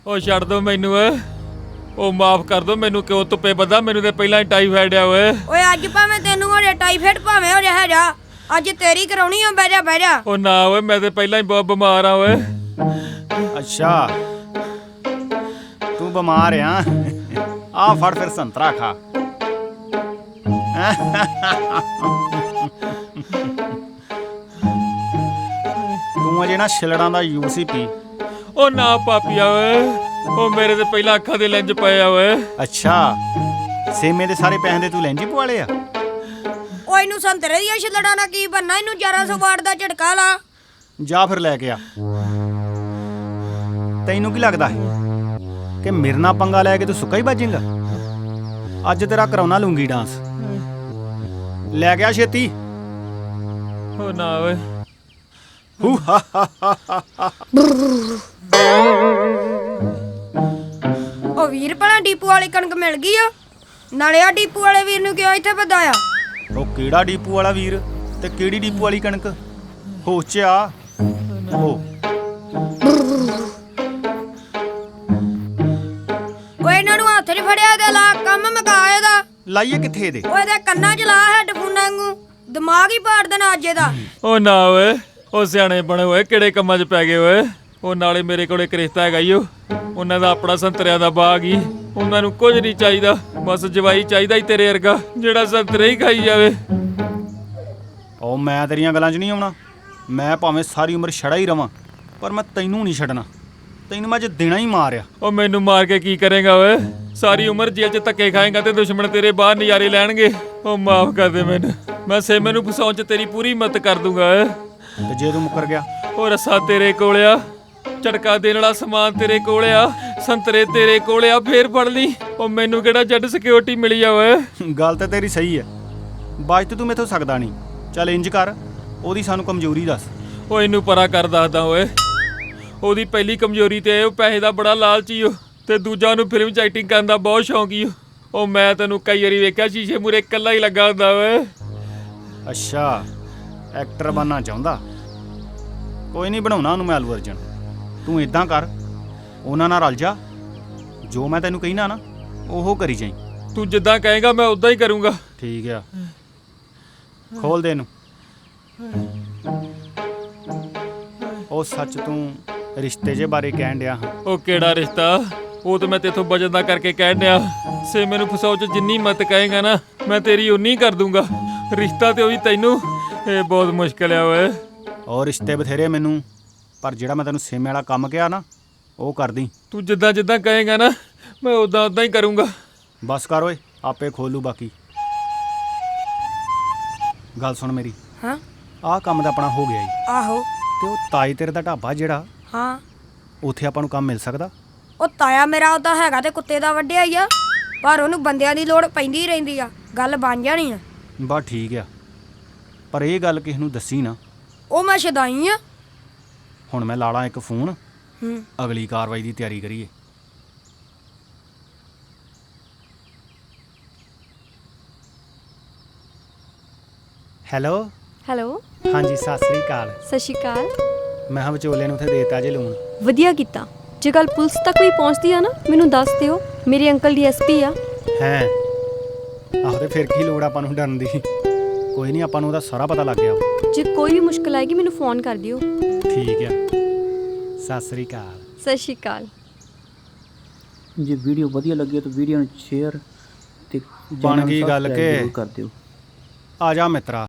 ਉਹ ਛੱਡ ਦੋ ਮੈਨੂੰ ਓਏ। ਉਹ ਮਾਫ ਕਰ ਦੋ ਮੈਨੂੰ, ਕਿਉਂ ਧੁੱਪੇ ਬੱਦਾ, ਮੈਨੂੰ ਤੇ ਪਹਿਲਾਂ ਹੀ ਟਾਈਫਾਇਡ ਆ ਓਏ। ਓਏ ਅੱਜ ਭਾਵੇਂ ਤੈਨੂੰ ਹੋ ਜਾ ਟਾਈਫਾਇਡ, ਭਾਵੇਂ ਹੋ ਜਾ ਹੈਗਾ, ਅੱਜ ਤੇਰੀ ਕਰਾਉਣੀ ਆ। ਬਹਿ ਜਾ ਬਹਿ ਜਾ। ਉਹ ਨਾ ਓਏ, ਮੈਂ ਤੇ ਪਹਿਲਾਂ ਹੀ ਬਹੁਤ ਬਿਮਾਰ ਆ ਓਏ। ਅੱਛਾ ਤੂੰ ਬਿਮਾਰ ਆ ਫੜ ਫਿਰ ਸੰਤਰਾ ਖਾ। ਤੂੰ ਅਜੇ ਨਾ ਛਿਲੜਾਂ ਦਾ ਜੂਸ ਹੀ ਪੀ। ਉਹ ਨਾ ਪਾਪੀਆ ਓਏ, ਉਹ ਮੇਰੇ ਤੇ ਪਹਿਲਾਂ ਅੱਖਾਂ ਦੇ ਲੈਂਜ ਪਏ ਆ ਓਏ। ਅੱਛਾ ਸੇਮੇ ਦੇ ਸਾਰੇ ਪੈਸੇ ਦੇ ਤੂੰ ਲੈਂਜੀ ਪਵਾ ਲਏ ਆ? ਓਏ ਇਹਨੂੰ ਸੰਤਰੇ ਦੀਆਂ ਛਿਲੜਾਂ ਨਾਲ ਕੀ ਬੰਨਾ, ਇਹਨੂੰ 1100 ਵਾਟ ਦਾ ਝਟਕਾ ਲਾ। ਜਾ ਫਿਰ ਲੈ ਕੇ ਆ। ਤੈਨੂੰ ਕੀ ਲੱਗਦਾ ਹੈ ਕਿ ਮੇਰੇ ਨਾਲ ਪੰਗਾ ਲੈ ਕੇ ਤੂੰ ਸੁੱਕਾ ਹੀ ਬਾਜੇਂਗਾ? ਅੱਜ ਤੇਰਾ ਕਰਾਉਣਾ ਲੂੰਗੀ ਡਾਂਸ। ਲੈ ਗਿਆ ਛੇਤੀ। ਉਹ ਨਾ ਓਏ। ਹੂ ਹਾ ਹਾ ਹਾ ਹਾ। ਉਹ ਵੀਰ ਭਲਾ ਡੀਪੂ ਵਾਲੀ ਕਣਕ ਮਿਲ ਗਈ ਆ? ਨਾਲੇ ਆ ਡੀਪੂ ਵਾਲੇ ਵੀਰ ਨੂੰ ਕਿਉਂ ਇੱਥੇ ਵਧਾਇਆ? ਉਹ ਕਿਹੜਾ ਡੀਪੂ ਵਾਲਾ ਵੀਰ ਤੇ ਕਿਹੜੀ ਡੀਪੂ ਵਾਲੀ ਕਣਕ? ਹੋਸ਼ 'ਚ ਆ। ਓਏ ਇਹਨਾਂ ਨੂੰ ਹੱਥ 'ਚ ਫੜਿਆ ਤੇ ਲਾ, ਕੰਮ ਮੁਕਾ ਇਹਦਾ। ਲਾਈਏ ਕਿੱਥੇ ਇਹਦੇ? ਓਏ ਇਹਦੇ ਕੰਨਾਂ 'ਚ ਲਾ ਹੈਡਫੋਨਾਂ ਵਾਂਗੂ, ਦਿਮਾਗ ਹੀ ਪਾੜ ਦੇਣਾ ਅੱਜ ਇਹਦਾ। ਉਹ ਨਾ ਓਏ, ਉਹ ਸਿਆਣੇ ਬਣੇ ਹੋਏ, ਕਿਹੜੇ ਕੰਮਾਂ 'ਚ ਪੈ ਗਏ ਓਏ। ਉਹ ਨਾਲੇ ਮੇਰੇ ਕੋਲ ਇੱਕ ਰਿਸ਼ਤਾ ਹੈਗਾ ਈ, ਉਹਨਾਂ ਦਾ ਆਪਣਾ ਸੰਤਰਿਆਂ ਦਾ ਬਾਗ ਹੀ। ਉਹਨਾਂ ਨੂੰ ਕੁਝ ਨਹੀਂ ਚਾਹੀਦਾ, ਬਸ ਜਵਾਈ ਚਾਹੀਦਾ ਹੀ ਤੇਰੇ ਵਰਗਾ, ਜਿਹੜਾ ਸੰਤਰੇ ਹੀ ਖਾਈ ਜਾਵੇ। ਉਹ ਮੈਂ ਤੇਰੀਆਂ ਗੱਲਾਂ 'ਚ ਨਹੀਂ ਆਉਣਾ। ਮੈਂ ਭਾਵੇਂ ਸਾਰੀ ਉਮਰ ਛੜਾ ਹੀ ਰਵਾਂ, ਪਰ ਮੈਂ ਤੈਨੂੰ ਨਹੀਂ ਛੱਡਣਾ। ਤੈਨੂੰ ਮੈਂ ਅੱਜ ਦੇਣਾ ਹੀ ਮਾਰਿਆ। ਉਹ ਮੈਨੂੰ ਮਾਰ ਕੇ ਕੀ ਕਰੇਗਾ ਓਏ? ਸਾਰੀ ਉਮਰ ਜੇਲ੍ਹ 'ਚ ਧੱਕੇ ਖਾਏਗਾ ਤੇ ਦੁਸ਼ਮਣ ਤੇਰੇ ਬਾਹਰ ਨਜ਼ਾਰੇ ਲੈਣਗੇ। ਉਹ ਮਾਫ ਕਰ ਦੇ ਮੈਨੂੰ, ਮੈਂ ਸੇਮੇ ਨੂੰ ਫਸਾਉਣ 'ਚ ਤੇਰੀ ਪੂਰੀ ਮਦਦ ਕਰ ਦੂੰਗਾ ਓਏ। ਤੇ ਜੇ ਤੂੰ ਮੁੱਕਰ ਗਿਆ? ਉਹ ਰੱਸਾ ਤੇਰੇ ਕੋਲ ਆ, ਝਟਕਾ ਦੇਣ ਵਾਲਾ ਸਮਾਨ ਤੇਰੇ ਕੋਲ ਆ, ਸੰਤਰੇ ਤੇਰੇ ਕੋਲ ਆ, ਫੇਰ ਫੜ ਲਈ। ਉਹ ਮੈਨੂੰ ਕਿਹੜਾ ਜੱਟ ਸਿਕਿਉਰਿਟੀ ਮਿਲੀ ਆ ਓਏ। ਗੱਲ ਤਾਂ ਤੇਰੀ ਸਹੀ ਹੈ, ਬਾਅਦ 'ਚ ਤੂੰ ਮੈਥੋਂ ਸਕਦਾ ਨਹੀਂ। ਚੱਲ ਇੰਜ ਕਰ, ਉਹਦੀ ਸਾਨੂੰ ਕਮਜ਼ੋਰੀ ਦੱਸ। ਉਹ ਇਹਨੂੰ ਪਰਾ ਕਰ ਦੱਸਦਾ ਓਏ। ਉਹਦੀ ਪਹਿਲੀ ਕਮਜ਼ੋਰੀ ਤੇ ਉਹ ਪੈਸੇ ਦਾ ਬੜਾ ਲਾਲਚੀ ਓ, ਤੇ ਦੂਜਾ ਉਹਨੂੰ ਫਿਲਮ 'ਚ ਐਕਟਿੰਗ ਕਰਨ ਦਾ ਬਹੁਤ ਸ਼ੌਂਕ ਈ ਓ। ਉਹ ਮੈਂ ਤੈਨੂੰ ਕਈ ਵਾਰੀ ਵੇਖਿਆ ਸ਼ੀਸ਼ੇ ਮੂਹਰੇ ਇਕੱਲਾ ਹੀ ਲੱਗਾ ਹੁੰਦਾ ਓਏ। ਅੱਛਾ ਐਕਟਰ ਬਣਨਾ ਚਾਹੁੰਦਾ? ਕੋਈ ਨਹੀਂ, ਬਣਾਉਣਾ ਉਹਨੂੰ ਮੈਂ ਅਲੂ ਅਰਜਨ। ਤੂੰ ਇਦਾਂ ਕਰ, ਉਹਨਾਂ ਨਾਲ ਰਲ ਜਾ। ਜੋ ਮੈਂ ਤੈਨੂੰ ਕਹਿਣਾ ਨਾ ਉਹ ਕਰੀ ਜਾਈਂ। ਤੂੰ ਜਿੱਦਾਂ ਕਹੇਗਾ ਮੈਂ ਉਦਾਂ ਹੀ ਕਰੂੰਗਾ। ਠੀਕ ਆ, ਖੋਲ ਦੇ ਇਹਨੂੰ। ਉਹ ਸੱਚ, ਤੂੰ ਰਿਸ਼ਤੇ ਜੇ ਬਾਰੇ ਕਹਿਣ ਡਿਆ ਹਾਂ। ਉਹ ਕਿਹੜਾ ਰਿਸ਼ਤਾ? ਉਹ ਤਾਂ ਮੈਂ ਤੇਥੋਂ ਬਚਨ ਦਾ ਕਰਕੇ ਕਹਿਣ ਡਿਆ। ਸੇ ਮੈਨੂੰ ਫਸਾਉ 'ਚ ਜਿੰਨੀ ਮਤ ਕਹੇਗਾ ਨਾ, ਮੈਂ ਤੇਰੀ ਉਨੀ ਕਰ ਦੂੰਗਾ। ਰਿਸ਼ਤਾ ਤੇ ਉਹ ਵੀ ਤੈਨੂੰ, ਇਹ ਬਹੁਤ ਮੁਸ਼ਕਿਲ ਆ ਓਏ। ਔਰ ਰਿਸ਼ਤੇ ਬਥੇਰੇ ਮੈਨੂੰ, ਪਰ ਜਿਹੜਾ ਮੈਂ ਤੈਨੂੰ ਸੇਮੇ ਵਾਲਾ ਕੰਮ ਕਿਹਾ ਨਾ ਉਹ ਕਰਦੀ। ਤੂੰ ਜਿੱਦਾਂ ਜਿੱਦਾਂ ਕਹੇਗਾ ਨਾ, ਮੈਂ ਉਦਾਂ ਉਦਾਂ ਹੀ ਕਰੂੰਗਾ। ਬਸ ਕਰ ਓਏ, ਆਪੇ ਖੋਲੂ ਬਾਕੀ। ਗੱਲ ਸੁਣ ਮੇਰੀ। ਹਾਂ ਆਹ ਕੰਮ ਤਾਂ ਆਪਣਾ ਹੋ ਗਿਆ ਈ। ਆਹੋ। ਤੇ ਉਹ ਤਾਈ ਤੇਰੇ ਦਾ ਢਾਬਾ ਜਿਹੜਾ, ਹਾਂ ਉੱਥੇ ਆਪਾਂ ਨੂੰ ਕੰਮ ਮਿਲ ਸਕਦਾ? ਉਹ ਤਾਇਆ ਮੇਰਾ ਉਹਦਾ ਹੈਗਾ ਤੇ ਕੁੱਤੇ ਦਾ ਵੱਢਿਆ ਹੀ ਆ, ਪਰ ਉਹਨੂੰ ਬੰਦਿਆਂ ਦੀ ਲੋੜ ਪੈਂਦੀ ਰਹਿੰਦੀ ਆ। ਗੱਲ ਬਣ ਜਾਣੀ ਆ। ਬਸ ਠੀਕ ਆ, ਪਰ ਇਹ ਗੱਲ ਕਿਸੇ ਨੂੰ ਦੱਸੀ ਨਾ। ਉਹ ਮੈਂ ਸ਼ਦਾਈ ਆ। ਹੁਣ ਮੈਂ ਲਾਲਾ ਇੱਕ ਫੋਨ, ਹੂੰ ਅਗਲੀ ਕਾਰਵਾਈ ਦੀ ਤਿਆਰੀ ਕਰੀਏ। ਹੈਲੋ ਹੈਲੋ, ਹਾਂਜੀ ਸਤਿ ਸ੍ਰੀ ਅਕਾਲ। ਸਤਿ ਸ਼੍ਰੀ ਅਕਾਲ। ਮੈਂ ਹਾਂ ਵਿਚੋਲੇ ਨੂੰ ਉੱਥੇ ਦੇਤਾ ਜੇ ਲੋਨ। ਵਧੀਆ ਕੀਤਾ। ਜੇ ਗੱਲ ਪੁਲਿਸ ਤੱਕ ਵੀ ਪਹੁੰਚਦੀ ਆ ਨਾ, ਮੈਨੂੰ ਦੱਸ ਦਿਓ। ਮੇਰੇ ਅੰਕਲ ਡੀਐਸਪੀ ਆ। ਹੈ ਆਹੋ, ਤੇ ਫਿਰ ਕੀ ਲੋੜ ਆਪਾਂ ਨੂੰ ਡਰਨ ਦੀ? ਕੋਈ ਨਹੀਂ, ਆਪਾਂ ਨੂੰ ਉਹਦਾ ਸਾਰਾ ਪਤਾ ਲੱਗ ਗਿਆ। ਜੇ ਕੋਈ ਵੀ ਮੁਸ਼ਕਲ ਆਏਗੀ ਮੈਨੂੰ ਫੋਨ ਕਰ ਦਿਓ। ਠੀਕ ਆ, ਸਤਿ ਸ੍ਰੀ ਅਕਾਲ। ਸਤਿ ਸ਼੍ਰੀ ਅਕਾਲ। ਜੇ ਵੀਡੀਓ ਵਧੀਆ ਲੱਗੀ ਤਾਂ ਵੀਡੀਓ ਨੂੰ ਸ਼ੇਅਰ ਤੇ ਬਣ ਗਈ ਗੱਲ ਕਿ ਕਰ ਦਿਓ। ਆ ਜਾ ਮਿੱਤਰਾ,